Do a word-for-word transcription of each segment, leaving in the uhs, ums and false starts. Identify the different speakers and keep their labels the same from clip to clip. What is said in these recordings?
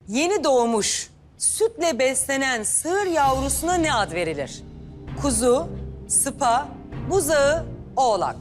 Speaker 1: Yeni doğmuş, sütle beslenen sığır yavrusuna ne ad verilir? Kuzu, sıpa, buzağı, oğlak.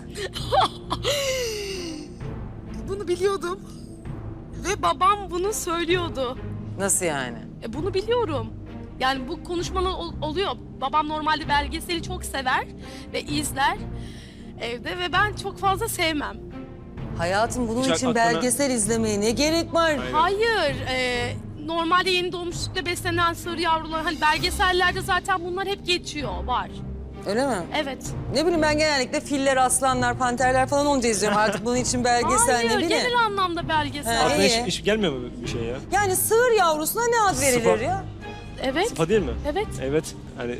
Speaker 2: Bunu biliyordum. Ve babam bunu söylüyordu.
Speaker 1: Nasıl yani?
Speaker 2: E, bunu biliyorum. Yani bu konuşmalar ol- oluyor. Babam normalde belgeseli çok sever ve izler evde ve ben çok fazla sevmem.
Speaker 1: Hayatım bunun
Speaker 3: Hiç
Speaker 1: için
Speaker 3: aklına-
Speaker 1: belgesel izlemeye ne gerek var?
Speaker 3: Hayır.
Speaker 2: Hayır, e, normalde yeni doğmuş sütle beslenen sığır yavruları, hani belgesellerde zaten bunlar hep geçiyor, var.
Speaker 1: Öyle mi?
Speaker 2: Evet.
Speaker 1: Ne bileyim ben genellikle filler, aslanlar, panterler falan olunca izliyorum. Artık bunun için belgesel
Speaker 2: Hayır,
Speaker 1: ne bileyim.
Speaker 2: genel anlamda belgesel.
Speaker 1: Ha,
Speaker 3: Aklına
Speaker 1: iyi.
Speaker 3: hiç, hiç gelmiyor mu bir şey ya?
Speaker 1: Yani sığır yavrusuna ne ad verilir
Speaker 3: Sıpa.
Speaker 1: ya?
Speaker 2: Evet,
Speaker 3: Sıfa değil mi?
Speaker 2: evet.
Speaker 3: Evet. Hani...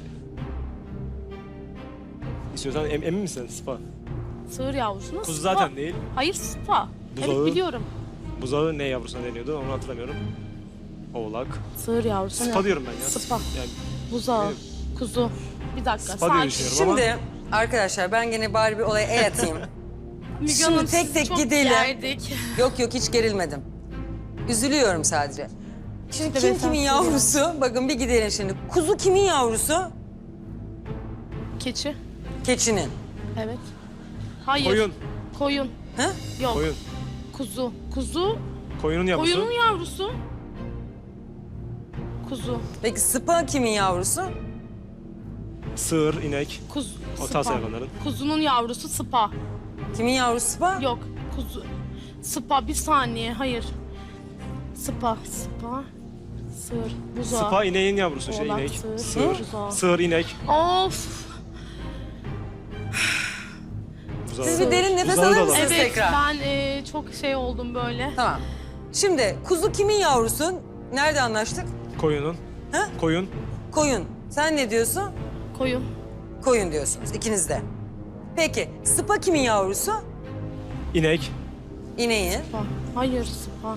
Speaker 3: İstiyorsan em, emin misin? Sıfa.
Speaker 2: Sığır yavrusuna
Speaker 3: Kuzu
Speaker 2: sıpa.
Speaker 3: zaten değil.
Speaker 2: Hayır, sıpa.
Speaker 3: Buzağı.
Speaker 2: Evet, biliyorum.
Speaker 3: Buzağı ne yavrusuna deniyordu onu hatırlamıyorum. Oğlak.
Speaker 2: Sığır yavrusuna.
Speaker 3: Sıpa diyorum ben ya.
Speaker 2: Sıpa.
Speaker 3: Yani
Speaker 2: Buzağı,
Speaker 3: Evet.
Speaker 2: kuzu. Bir dakika,
Speaker 3: Sıpa diye
Speaker 2: sakin.
Speaker 3: düşünüyorum ama...
Speaker 1: Şimdi arkadaşlar ben gene bari bir olaya el atayım.
Speaker 2: Müge
Speaker 1: Şimdi
Speaker 2: Hanım,
Speaker 1: tek
Speaker 2: sizi
Speaker 1: tek
Speaker 2: çok
Speaker 1: gidelim.
Speaker 2: gerdik.
Speaker 1: Yok yok hiç gerilmedim. Üzülüyorum sadece. Şimdi
Speaker 2: İşte
Speaker 1: kim
Speaker 2: ben
Speaker 1: kimin
Speaker 2: sana
Speaker 1: yavrusu? Bakın bir gidelim şimdi. Kuzu kimin yavrusu?
Speaker 2: Keçi.
Speaker 1: Keçinin.
Speaker 2: Evet. Hayır.
Speaker 3: Koyun.
Speaker 2: Koyun.
Speaker 1: Ha?
Speaker 2: Yok.
Speaker 3: Koyun.
Speaker 2: Kuzu. Kuzu.
Speaker 3: Koyunun yavrusu.
Speaker 2: Koyunun yavrusu. Kuzu.
Speaker 1: Peki sıpa kimin yavrusu?
Speaker 3: Sığır, inek.
Speaker 2: Kuzu.
Speaker 3: O
Speaker 2: Sıpa.
Speaker 3: tarz hayvanların.
Speaker 2: Kuzunun yavrusu sıpa.
Speaker 1: Kimin yavrusu sıpa?
Speaker 2: Yok. Kuzu. Sıpa. Bir saniye. Hayır. Sıpa. Sıpa. Sığır. Buzağı.
Speaker 3: Sıpa ineğin yavrusu şey
Speaker 2: Oğlak,
Speaker 3: inek.
Speaker 2: sığır,
Speaker 3: Sığır.
Speaker 2: buzağı.
Speaker 3: Sığır, inek.
Speaker 2: Of.
Speaker 3: Buzağı.
Speaker 1: Siz bir derin nefes
Speaker 3: Buzağı da
Speaker 1: alır
Speaker 3: olabilir.
Speaker 1: mısınız
Speaker 2: Evet.
Speaker 1: tekrar?
Speaker 2: Ben e, çok şey oldum böyle.
Speaker 1: Tamam. Şimdi kuzu kimin yavrusu? Nerede anlaştık?
Speaker 3: Koyunun.
Speaker 1: Ha?
Speaker 3: Koyun.
Speaker 1: Koyun. Sen ne diyorsun?
Speaker 2: Koyun.
Speaker 1: Koyun diyorsunuz ikiniz de. Peki sıpa kimin yavrusu?
Speaker 3: İnek.
Speaker 1: İneğin.
Speaker 2: Sıpa. Hayır sıpa.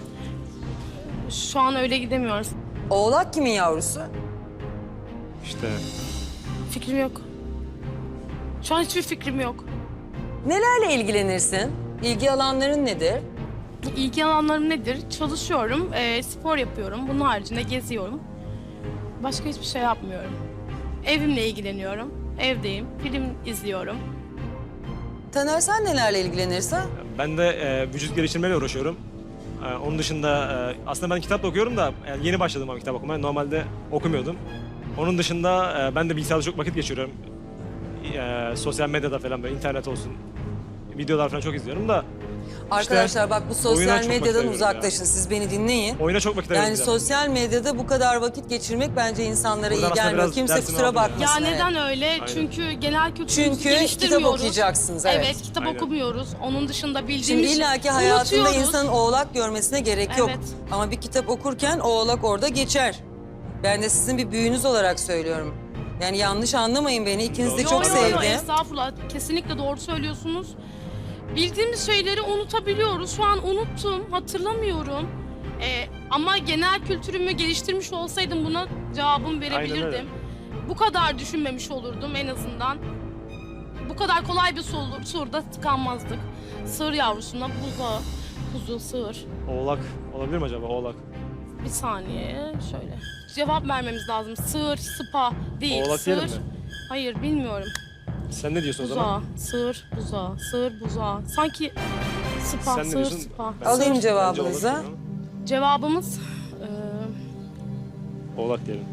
Speaker 2: Şu an öyle gidemiyoruz.
Speaker 1: Oğlak kimin yavrusu?
Speaker 3: İşte.
Speaker 2: Fikrim yok. Şu an hiçbir fikrim yok.
Speaker 1: Nelerle ilgilenirsin? İlgi alanların nedir?
Speaker 2: İlgi alanlarım nedir? Çalışıyorum, e, spor yapıyorum. Bunun haricinde geziyorum. Başka hiçbir şey yapmıyorum. Evimle ilgileniyorum. Evdeyim, film izliyorum.
Speaker 1: Taner sen nelerle ilgilenirsin?
Speaker 3: Ben de e, vücut geliştirmeyle uğraşıyorum. E, onun dışında e, aslında ben kitap da okuyorum da yani yeni başladım ama kitap okumaya. Normalde okumuyordum. Onun dışında e, ben de bilgisayarda çok vakit geçiriyorum. E, sosyal medyada falan böyle internet olsun. Videolar falan çok izliyorum da
Speaker 1: Arkadaşlar bak bu
Speaker 3: oyuna
Speaker 1: sosyal
Speaker 3: çok vakit
Speaker 1: medyadan
Speaker 3: ayırıyorum
Speaker 1: uzaklaşın.
Speaker 3: ya.
Speaker 1: Siz beni dinleyin.
Speaker 3: oyuna çok vakit
Speaker 1: Yani
Speaker 3: ayırıyorum.
Speaker 1: sosyal medyada bu kadar vakit geçirmek bence insanlara
Speaker 3: Buradan
Speaker 1: iyi
Speaker 3: aslında
Speaker 1: gelmiyor.
Speaker 3: biraz
Speaker 1: Kimse
Speaker 3: dersini
Speaker 1: kusura
Speaker 3: aldım ya.
Speaker 1: bakmasın.
Speaker 2: Ya
Speaker 1: evet.
Speaker 2: neden öyle? Çünkü genel kültürümüzü
Speaker 1: Çünkü kitap
Speaker 2: geliştirmiyoruz.
Speaker 1: okuyacaksınız. Evet.
Speaker 2: Evet, kitap
Speaker 3: Aynen.
Speaker 2: okumuyoruz. Onun dışında
Speaker 1: Şimdi
Speaker 2: bildiğimiz
Speaker 1: illaki hayatında
Speaker 2: unutuyoruz.
Speaker 1: insanın oğlak görmesine gerek yok.
Speaker 2: Evet.
Speaker 1: Ama bir kitap okurken oğlak orada geçer. Ben de sizin bir büyüğünüz olarak söylüyorum. Yani yanlış anlamayın beni. İkiniz de
Speaker 3: Yo,
Speaker 1: çok
Speaker 2: Yo, yo, yo,
Speaker 1: sevdim.
Speaker 2: estağfurullah. Kesinlikle doğru söylüyorsunuz. Bildiğimiz şeyleri unutabiliyoruz. Şu an unuttum, hatırlamıyorum. Ee, ama genel kültürümü geliştirmiş olsaydım buna cevabımı verebilirdim.
Speaker 3: öyle.
Speaker 2: Bu kadar düşünmemiş olurdum en azından. Bu kadar kolay bir soru, soruda tıkanmazdık. Sığır yavrusuna buzağı, kuzu, sığır.
Speaker 3: Oğlak olabilir mi acaba oğlak?
Speaker 2: Bir saniye şöyle. Cevap vermemiz lazım. Sığır, sıpa değil.
Speaker 3: Oğlak
Speaker 2: sığır.
Speaker 3: diyelim mi?
Speaker 2: Hayır bilmiyorum.
Speaker 3: Sen ne diyorsun o zaman?
Speaker 2: Buzağı, sığır, buzağı, sığır, buzağı. Sanki sıpa,
Speaker 3: Sen ne
Speaker 2: sığır,
Speaker 3: diyorsun?
Speaker 2: sıpa.
Speaker 3: Ben-
Speaker 1: Alayım
Speaker 3: Bence
Speaker 1: cevabınızı.
Speaker 3: oğlak diyorum
Speaker 2: Cevabımız eee,
Speaker 3: ama Oğlak diyelim.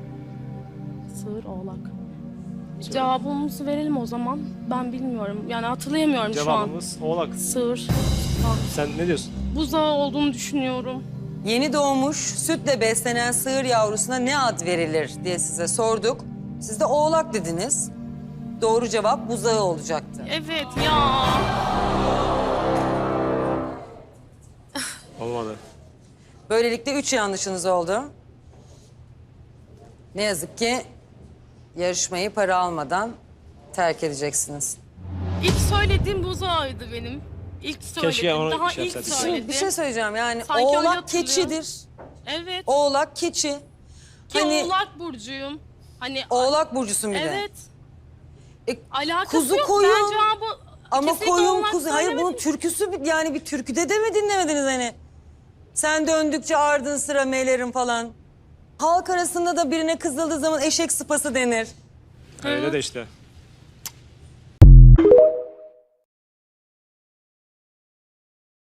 Speaker 2: sığır, oğlak. Cevabımızı verelim o zaman. Ben bilmiyorum. Yani hatırlayamıyorum şu an.
Speaker 3: Cevabımız oğlak.
Speaker 2: Sığır, sıpa.
Speaker 3: Sen ne diyorsun?
Speaker 2: Buzağı olduğunu düşünüyorum.
Speaker 1: Yeni doğmuş sütle beslenen sığır yavrusuna ne ad verilir diye size sorduk. Siz de oğlak dediniz. Doğru cevap buzağı olacaktı.
Speaker 2: Evet ya.
Speaker 3: Olmadı.
Speaker 1: Böylelikle üç yanlışınız oldu. Ne yazık ki yarışmayı para almadan terk edeceksiniz.
Speaker 2: İlk söylediğim buzağıydı benim. İlk söyledim.
Speaker 3: Keşke onu
Speaker 2: Daha
Speaker 3: şey
Speaker 2: ilk
Speaker 3: yapsaydık.
Speaker 2: söyledim.
Speaker 1: Şimdi bir şey söyleyeceğim yani
Speaker 2: Sanki öyle
Speaker 1: oğlak
Speaker 2: hatırlıyorum.
Speaker 1: keçidir.
Speaker 2: Evet.
Speaker 1: Oğlak keçi.
Speaker 2: Ki
Speaker 1: Hani
Speaker 2: oğlak burcuyum. Hani
Speaker 1: oğlak burcusun bir de.
Speaker 2: evet.
Speaker 1: E,
Speaker 2: Alakası
Speaker 1: kuzu
Speaker 2: yok.
Speaker 1: koyun.
Speaker 2: Ben cevabı
Speaker 1: Ama
Speaker 2: kesinlikle
Speaker 1: koyun
Speaker 2: oğlak
Speaker 1: kuzu. Hayır bunun
Speaker 2: söylemedim.
Speaker 1: türküsü bir- yani bir türküde de mi dinlemediniz hani? Sen döndükçe ardın sıra melerin falan. Halk arasında da birine kızıldığı zaman eşek sıpası denir.
Speaker 3: Öyle de işte.